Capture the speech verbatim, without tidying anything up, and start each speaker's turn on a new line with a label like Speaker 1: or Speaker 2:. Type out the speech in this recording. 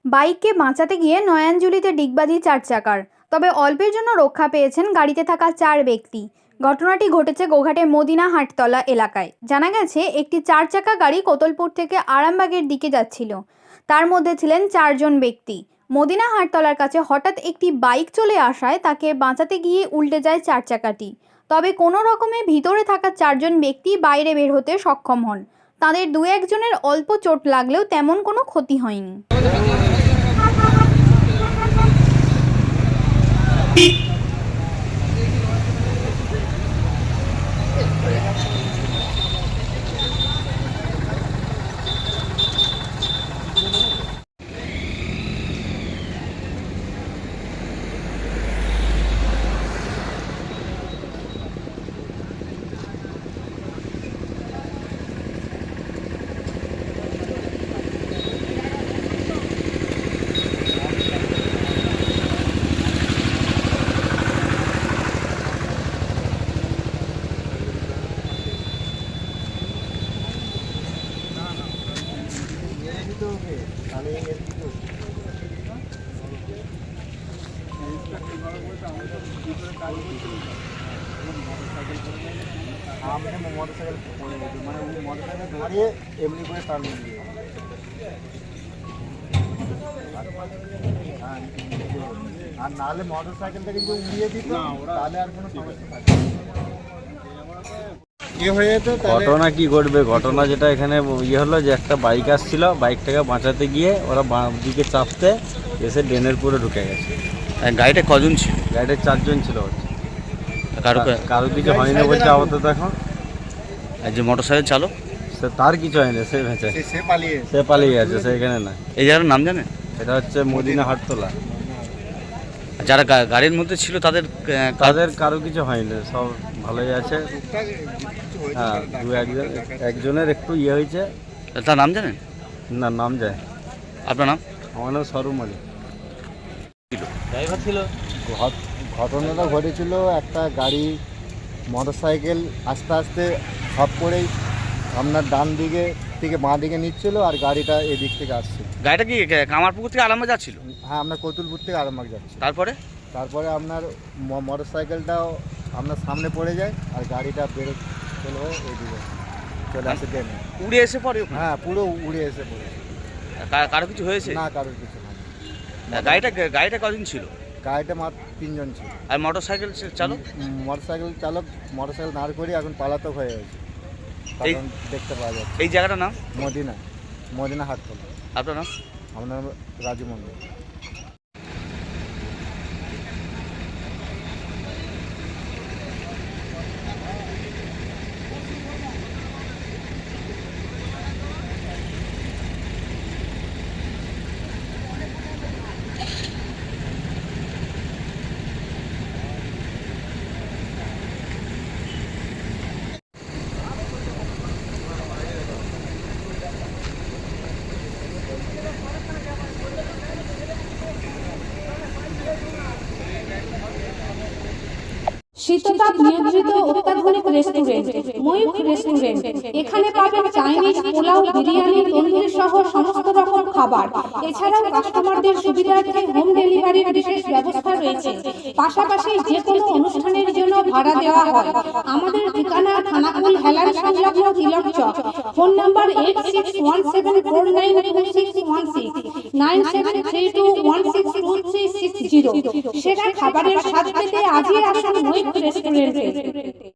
Speaker 1: বাইককে বাঁচাতে গিয়ে নয়াঞ্জলিতে ডিগবাজি চার চাকার। তবে অল্পের জন্য রক্ষা পেয়েছেন গাড়িতে থাকা চার ব্যক্তি। ঘটনাটি ঘটেছে গোঘাটের মদিনা হাটতলা এলাকায়। জানা গেছে, একটি চার চাকা গাড়ি কোতলপুর থেকে আরামবাগের দিকে যাচ্ছিল। তার মধ্যে ছিলেন চারজন ব্যক্তি। মদিনা হাটতলার কাছে হঠাৎ একটি বাইক চলে আসায় তাকে বাঁচাতে গিয়ে উল্টে যায় চার চাকাটি। তবে কোনো রকমে ভিতরে থাকা চারজন ব্যক্তি বাইরে বের হতে সক্ষম হন। তাদের দু একজনের অল্প চোট লাগলেও তেমন কোনো ক্ষতি হয়নি।
Speaker 2: মোটরসাইকেল পড়ে গেছে, মানে মোটরসাইকেল দাঁড়িয়ে এমনি করে টার্ন দিয়ে আর নাহলে মোটরসাইকেলটা কিন্তু উড়িয়ে দিত, তাহলে আর কোনো সমস্যা থাকবে না।
Speaker 3: ঘটনা কি ঘটবে? ঘটনা যেটা এখানে ইয়ে হলো যে একটা বাইক আসছিল, বাইকটাকে বাঁচাতে গিয়ে ওরা বাঁ দিকে চাপতে এসে ড্রেনের পুরো ঢুকে গেছে।
Speaker 4: গাড়িটা কজন ছিল?
Speaker 3: গাড়িতে চারজন ছিল হচ্ছে।
Speaker 4: কারো
Speaker 3: কারো কিছু হয়নি বলছে আপাতত এখন।
Speaker 4: আর যে মোটর সাইকেল চালক,
Speaker 3: সে তার কিছু হয়নি, সে ভেঁচে
Speaker 2: সে পালিয়ে
Speaker 3: সে পালিয়ে গেছে, সে এখানে না।
Speaker 4: এই জায়গার নাম জানেন?
Speaker 3: এটা হচ্ছে মদিনা হাটতলা।
Speaker 4: যারা গাড়ির মধ্যে ছিল তাদের
Speaker 3: তাদের কারো কিছু হয়নি, সব ভালোই আছে। হ্যাঁ, দু একজন একজনের একটু ইয়ে হয়েছে।
Speaker 4: তার নাম জানেন?
Speaker 3: না, নাম যায়।
Speaker 4: আপনার নাম?
Speaker 3: আমার নাম সরু মালিক।
Speaker 4: ড্রাইভার ছিল।
Speaker 2: ঘটনাটা ঘটেছিল, একটা গাড়ি মোটরসাইকেল আস্তে আস্তে সব করেই আপনার ডান দিকে থেকে বাঁ দিকে নিচ্ছিল, আর গাড়িটা এদিক থেকে আসছে।
Speaker 4: গাড়িটা কি কামারপুকুর থেকে আরামবাগ যাচ্ছিল?
Speaker 2: হ্যাঁ, আপনার কতুলপুর থেকে আরামবাগ যাচ্ছে।
Speaker 4: তারপরে
Speaker 2: তারপরে আপনার মোটরসাইকেলটাও আপনার সামনে পড়ে যায়, আর গাড়িটা বেরো চলে হয়ে এদিকে চলে আসে ট্রেনে,
Speaker 4: উড়ে এসে পড়ে।
Speaker 2: হ্যাঁ, পুরো উড়ে এসে পড়ে।
Speaker 4: কারো কিছু হয়েছে?
Speaker 2: না, কারোর কিছু না।
Speaker 4: গাড়িটা গাড়িটা কজন ছিল?
Speaker 2: গাড়িটা মাত্র তিনজন ছিল।
Speaker 4: আর মোটর সাইকেল চালক?
Speaker 2: মোটরসাইকেল চালক মোটরসাইকেল দাঁড় করে এখন পালাতক হয়ে গেছে, কারণ দেখতে পাওয়া যাচ্ছে।
Speaker 4: এই জায়গাটার নাম
Speaker 2: মদিনা মদিনা হাটতলা।
Speaker 4: আপনার নাম?
Speaker 2: আমার নাম রাজু মন্ডল।
Speaker 5: শীততাপ নিয়ন্ত্রিত অত্যাধুনিক রেস্টুরেন্ট ময়ূখ রেস্টুরেন্ট। এখানে পাবেন চাইনিজ, পোলাও, বিরিয়ানি, তন্দুরি সহ সমস্ত রকম খাবার। এছাড়াও কাস্টমারদের সুবিধার্থে হোম ডেলিভারির বিশেষ ব্যবস্থা রয়েছে। পাশাপাশি যে কোনো অনুষ্ঠানের জন্য ভাড়া দেওয়া হয়। আমাদের ঠিকানা থানাকুল হেলান সংলগ্ন তিলক চক। Phone number eight six one seven four nine two six one six nine seven three two one six two three six zero. সেরা খাবারের স্বাদ পেতে আজই আসুন ময়ূখ রেস্টুরেন্টে।